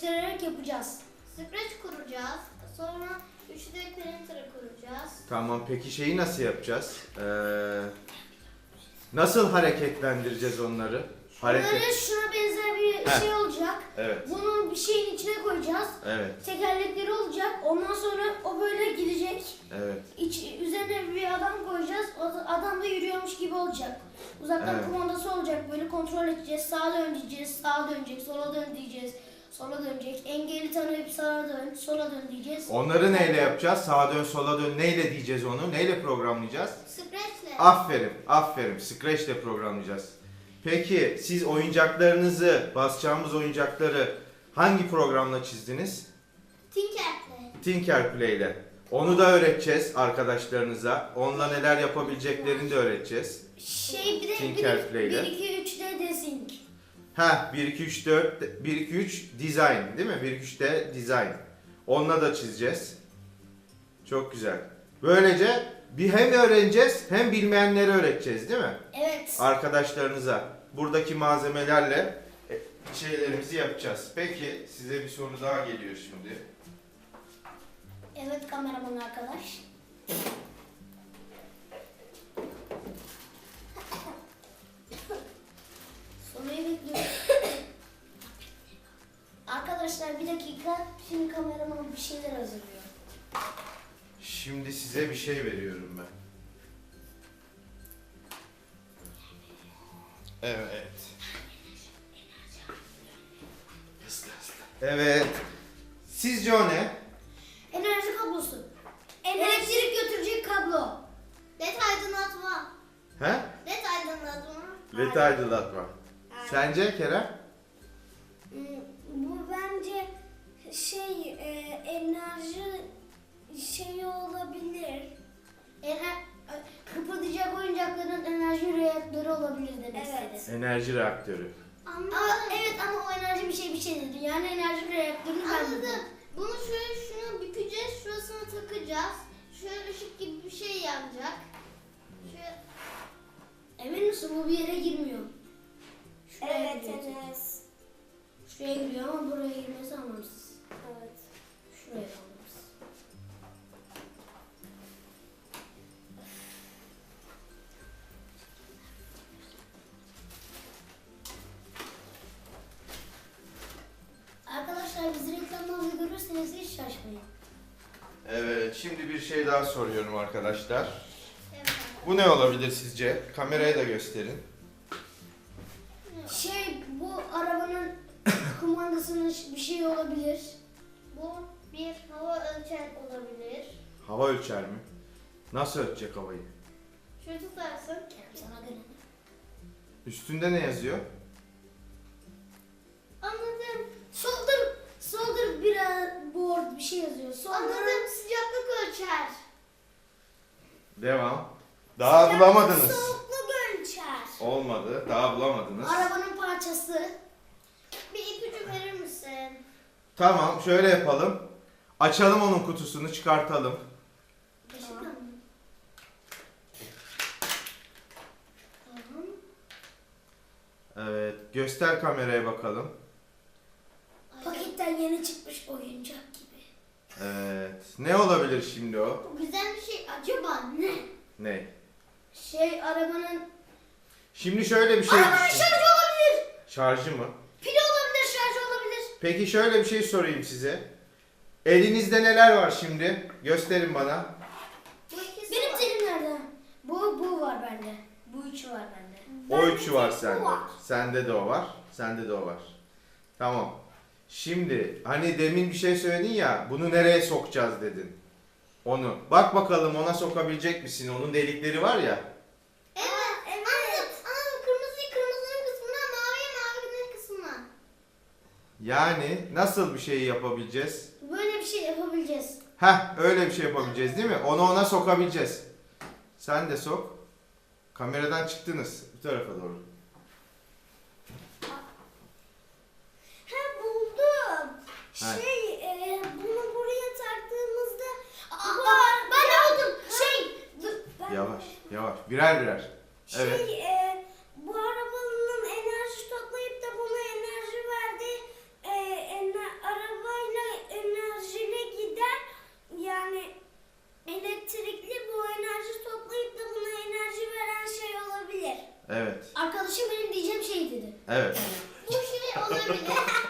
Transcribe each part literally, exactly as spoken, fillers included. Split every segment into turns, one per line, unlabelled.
göstererek yapacağız.
Scratch kuracağız. Sonra üç D printer'ı kuracağız.
Tamam, peki şeyi nasıl yapacağız? Ee, nasıl hareketlendireceğiz onları? Hareket.
Bunları şuna benzer bir
Heh.
şey olacak.
Evet.
Bunu bir şeyin içine koyacağız.
Evet.
Tekerlekleri olacak. Ondan sonra o böyle gidecek.
Evet.
İç, üzerine bir adam koyacağız. O da- adam da yürüyormuş gibi olacak. Uzaktan
Evet.
kumandası olacak. Böyle kontrol edeceğiz. Sağa dön diyeceğiz. Sağa dönecek. Sola dön diyeceğiz. Sola dönecek. Engeli tanıyıp sağa dön. Sola dön diyeceğiz.
Onları neyle yapacağız? Sağa dön, sola dön. Neyle diyeceğiz onu? Neyle programlayacağız?
Scratch'le.
Aferin, aferin. Scratch ile programlayacağız. Peki siz oyuncaklarınızı, basacağımız oyuncakları hangi programla çizdiniz?
Tinker'le.
Tinkerplay ile. Onu da öğreteceğiz arkadaşlarınıza. Onunla neler yapabileceklerini de öğreteceğiz.
Şey bir de
Tinkerplay ile.
bir iki üç D desync.
Ha, bir iki üç dört, bir iki üç design değil mi? bir iki üç de design. Onunla da çizeceğiz. Çok güzel. Böylece bir hem öğreneceğiz hem bilmeyenleri öğreteceğiz değil mi?
Evet.
Arkadaşlarınıza buradaki malzemelerle e, şeylerimizi yapacağız. Peki size bir soru daha geliyor şimdi.
Evet kameraman arkadaş. Soruyu bekliyorum. Arkadaşlar bir dakika. Şimdi kameraman bir şeyler hazırlıyor.
Şimdi size bir şey veriyorum ben. Evet. Evet. Sizce o ne?
Enerji kablosu. Elektrik götürecek kablo.
Led aydınlatma.
He?
Led aydınlatma.
Led aydınlatma. Sence Kerem?
Hmm, Bu bence şey e, enerji şeyi olabilir. Ener kıpırdayacak oyuncakların enerji reaktörü olabilir demek
Evet.
istedi.
Enerji reaktörü.
Anladım.
Ama evet ama o enerji bir şey bir şey dedi. Yani enerji reaktörünü ben
Anladım.
dedim.
Bunu şöyle şunu bükeceğiz. Şurasını takacağız. Şöyle ışık gibi bir şey yanacak. Şöyle.
Emin misin bu bir yere girmiyor? Şuraya
Evet,
giriyor.
evet.
Şuraya giriyor ama buraya girmesi anlamsız.
Evet.
Şuraya anlamsız. Arkadaşlar bizi reklamlarda görürseniz hiç şaşmayın.
Evet, şimdi bir şey daha soruyorum arkadaşlar.
Evet.
Bu ne olabilir sizce? Kameraya da gösterin.
Şey bu arabanın kumandasının bir şey olabilir.
Bu bir hava ölçer olabilir.
Hava ölçer mi? Nasıl ölçecek havayı?
Şöyle tutarsın.
Sana göre.
Üstünde ne yazıyor?
Anladım.
Solder, solder bir board bir şey yazıyor. Solder.
Anladım. Sıcaklık ölçer.
Devam. Daha bulamadınız.
Soğukluk ölçer.
Olmadı. Daha bulamadınız.
Arabanın parçası.
Bir ipucu verir misin?
Tamam, şöyle yapalım. Açalım onun kutusunu, çıkartalım.
Gerçekten mi? Tamam.
Evet, göster kameraya bakalım.
Paketten yeni çıkmış oyuncak gibi.
Evet. Ne olabilir şimdi o?
Bu güzel bir şey. Acaba ne?
Ne?
Şey arabanın...
Şimdi şöyle bir şey
Arabanın
düşün.
şarjı olabilir.
Şarjı mı?
Pili olabilir, şarjı olabilir.
Peki şöyle bir şey sorayım size. Elinizde neler var şimdi? Gösterin bana.
Bu ikisi
Benim
var.
telim nerede? Bu, bu var bende. Bu üçü var bende.
O
Bende
üçü var
tek bu
sende.
var.
Sende de o var. Sende de o var. Tamam. Şimdi hani demin bir şey söyledin ya, bunu nereye sokacağız dedin. Onu. Bak bakalım ona sokabilecek misin? Onun delikleri var ya.
Evet. Evet. Anladım. Anladım. Kırmızıyı kırmızının kısmına, maviyi mavinin kısmına.
Yani nasıl bir şey yapabileceğiz?
Böyle bir şey yapabileceğiz.
Heh, öyle bir şey yapabileceğiz değil mi? Onu ona sokabileceğiz. Sen de sok. Kameradan çıktınız. Bu tarafa doğru.
Ha buldum.
Ha.
Şey e, bunu buraya taktığımızda... Aa, ben de buldum. Şey... dur, ben-
Yavaş, yavaş. Birer birer. Evet.
Şey, e, bu arabanın enerji toplayıp da buna enerji verdi. E, ener-
Evet.
Bu şey olabilir.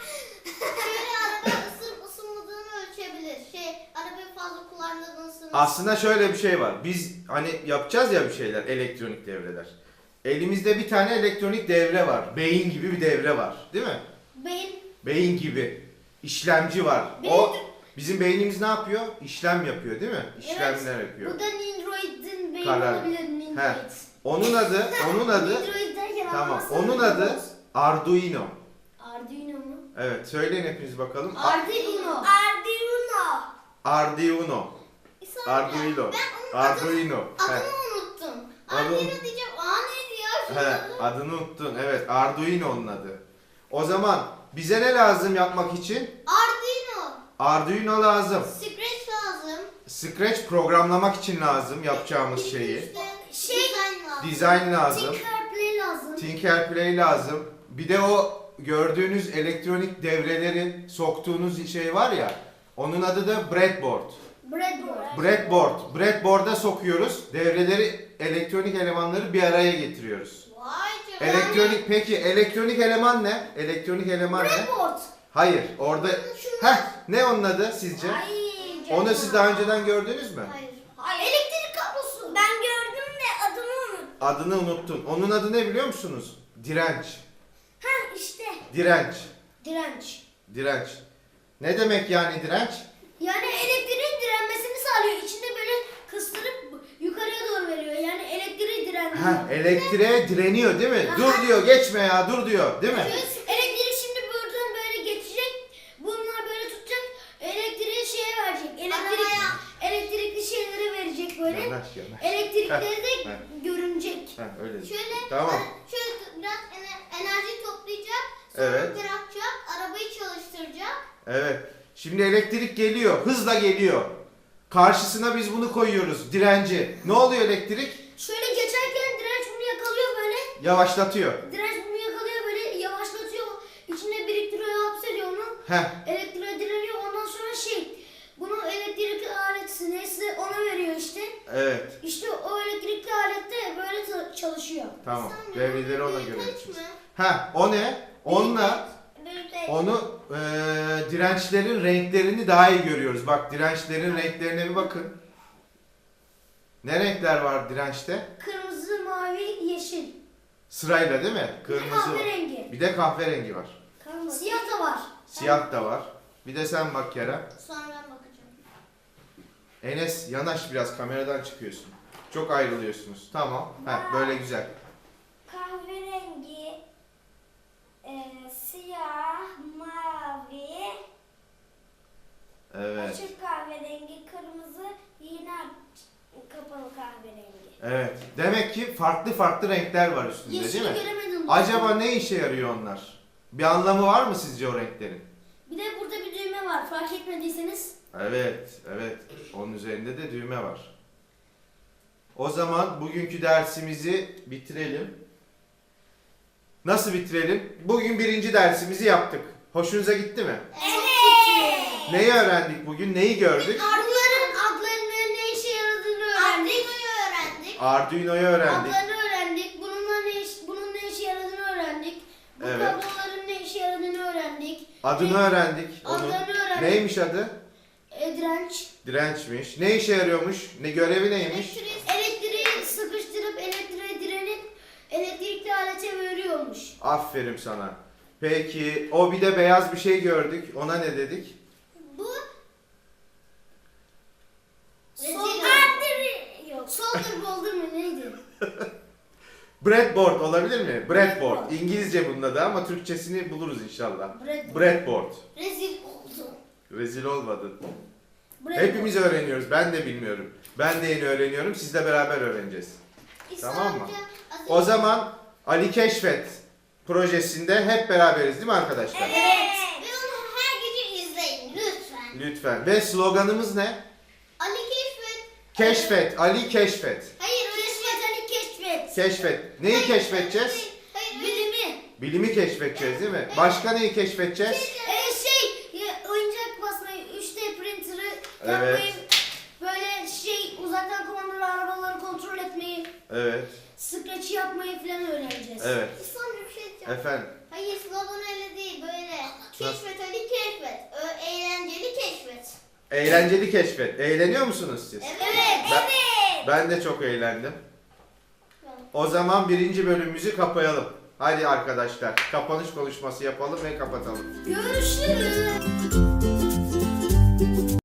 Şöyle araba ısınıp ısınmadığını ölçebilir. Şey, arabayı fazla kullandığını ısınır.
Aslında şöyle bir şey var. Biz hani yapacağız ya bir şeyler, elektronik devreler. Elimizde bir tane elektronik devre var. Beyin gibi bir devre var. Değil mi?
Beyin.
Beyin gibi. İşlemci var. O bizim beynimiz ne yapıyor? İşlem yapıyor değil mi? İşlemler yapıyor.
Bu da Nindroid'in beyni
Karar.
olabilir.
He.
Nindroid.
Onun adı, onun adı
Nindroid derken
tamam.
anlamazsanız
Onun adı
olmaz.
Arduino.
Arduino mu?
Evet, söyleyin hepiniz bakalım. A-
Arduino.
Arduino.
Arduino.
Bir saniye.
Arduino.
Ben onun
Arduino.
adını,
He.
adını unuttum.
Adı-
Arduino diyeceğim. Aa neydi ya? Şunun
He,
adı?
adını unuttun. Evet, Arduino onun adı. O zaman bize ne lazım yapmak için?
Arduino.
Arduino lazım.
Scratch lazım.
Scratch programlamak için lazım yapacağımız şeyi.
İşte
Şey-
design lazım.
Design lazım.
Tinkerplay lazım.
Tinkerplay lazım. Bir de o gördüğünüz elektronik devreleri soktuğunuz şey var ya. Onun adı da breadboard.
Breadboard.
Breadboard. Breadboard'a sokuyoruz. Devreleri, elektronik elemanları bir araya getiriyoruz.
Vay canına.
Elektronik peki elektronik eleman ne? Elektronik eleman ne?
Breadboard.
Hayır, orada
Şunlar.
heh ne onun adı sizce?
Ay,
Onu siz daha önceden gördünüz mü?
Hayır.
Hayır. Elektrik kablosu.
Ben gördüm de adını unuttum.
Adını unuttun. Onun adı ne biliyor musunuz? Direnç.
Ha işte.
Direnç.
Direnç.
Direnç. Ne demek yani direnç?
Yani elektriğin direnmesini sağlıyor. İçinde böyle kıstırıp yukarıya doğru veriyor. Yani elektriği direndiriyor.
Ha, elektriğe direniyor değil mi?
Aha.
Dur diyor, geçme ya, dur diyor, değil mi?
Elektrik şimdi buradan böyle geçecek. Bunlar böyle tutacak. Elektriği şeye verecek. Elektrik,
Arabaya.
elektrikli şeylere verecek böyle.
Yanaş, yanaş.
Elektrikleri de
Heh.
görünecek.
Ha, öyle.
Şöyle,
Tamam.
şöyle biraz ener- enerji toplayacak. Sonra
Evet.
bırakacak. Arabayı çalıştıracak.
Evet. Şimdi elektrik geliyor, hızla geliyor. Karşısına biz bunu koyuyoruz, direnci. Ne oluyor elektrik?
Şöyle geçerken direnç bunu yakalıyor böyle.
Yavaşlatıyor.
Direnç bunu yakalıyor böyle yavaşlatıyor. İçine biriktiriyor, hapsediyor onu.
Heh,
Elektriğe direniyor. Ondan sonra şey, bunu elektrikli alet neyse ona veriyor işte.
evet.
İşte o elektrikli alette böyle ta- çalışıyor.
Tamam.
Sen
Devreleri ona
bir
göre
kaç
yapacağız.
mı?
Ha, o ne? Onunla
Büyüteç.
onu eee, dirençlerin renklerini daha iyi görüyoruz. Bak dirençlerin renklerine bir bakın. Ne renkler var dirençte?
Kırmızı, mavi, yeşil.
Sırayla değil mi?
Bir de
Kırmızı.
kahverengi.
Bir de kahverengi var.
Siyah da var.
Siyah da var. Bir de sen bak Kerem.
Sonra ben bakacağım.
Enes yanaş biraz kameradan çıkıyorsun. Çok ayrılıyorsunuz. Tamam. Heh, böyle güzel.
Kahverengi, e, siyah, mavi,
Evet.
açık kahverengi, kırmızı, yine kapalı kahverengi.
Evet. Demek ki farklı farklı renkler var üstünde değil
Yeşili
mi?
göremedim.
Acaba ne işe yarıyor onlar? Bir anlamı var mı sizce o renklerin?
Bir de burada bir düğme var. Fark etmediyseniz.
Evet, evet. Onun üzerinde de düğme var. O zaman bugünkü dersimizi bitirelim. Nasıl bitirelim? Bugün birinci dersimizi yaptık. Hoşunuza gitti mi?
Evet.
Neyi öğrendik bugün? Neyi gördük?
Adların, adlarının ne işe yaradığını öğrendik.
Arduino'yu öğrendik.
Arduino'yu öğrendik.
Adlarını öğrendik. Bununla ne iş, bunun ne işe yaradığını öğrendik. Bu
Evet.
kabloların ne işe yaradığını öğrendik.
Adını öğrendik. Onun.
Adlarını öğrendik.
Neymiş adı?
E, direnç.
Dirençmiş. Ne işe yarıyormuş? Ne görevi neymiş?
Elektrik.
Elektriği sıkıştırıp elektriğe direnip elektrikli alete veriyormuş.
Aferin sana. Peki o bir de beyaz bir şey gördük. Ona ne dedik?
Bu
Solder. Yok. Solder bolder mı neydi?
Breadboard olabilir mi? Breadboard.
Breadboard.
İngilizce bunun adı ama Türkçesini buluruz inşallah.
Breadboard.
Breadboard.
Rezil oldu.
Rezil olmadın.
Breadboard.
Hepimiz öğreniyoruz. Ben de bilmiyorum. Ben de yeni öğreniyorum. Sizle beraber öğreneceğiz. Tamam mı? O zaman Ali Keşfet projesinde hep beraberiz değil mi arkadaşlar?
Evet. Ve onu her gece izleyin lütfen.
Lütfen. Ve sloganımız ne?
Ali Keşfet.
Keşfet. Ali Keşfet.
Hayır öyle
Keşfet Ali keşfet.
Keşfet. Neyi keşfedeceğiz?
Hayır, hayır.
Bilimi.
Bilimi keşfedeceğiz değil mi? Başka neyi keşfedeceğiz?
E, şey ya, oyuncak basmayı, üç D printer'ı
Evet.
yapmayı, böyle şey uzaktan kumandalı arabaları kontrol etmeyi,
Evet.
Scratch yapmayı falan öğreneceğiz.
Evet.
Sonra bir şey diyeceğim.
Efendim.
Hayır, slogan öyle değil, böyle. Keşfet Ali keşfet. Ö- eğlenceli keşfet.
Eğlenceli keşfet. Eğleniyor musunuz siz?
Evet.
Ben, ben de çok eğlendim. O zaman birinci bölümümüzü kapayalım. Hadi arkadaşlar, kapanış konuşması yapalım ve kapatalım.
Görüşürüz.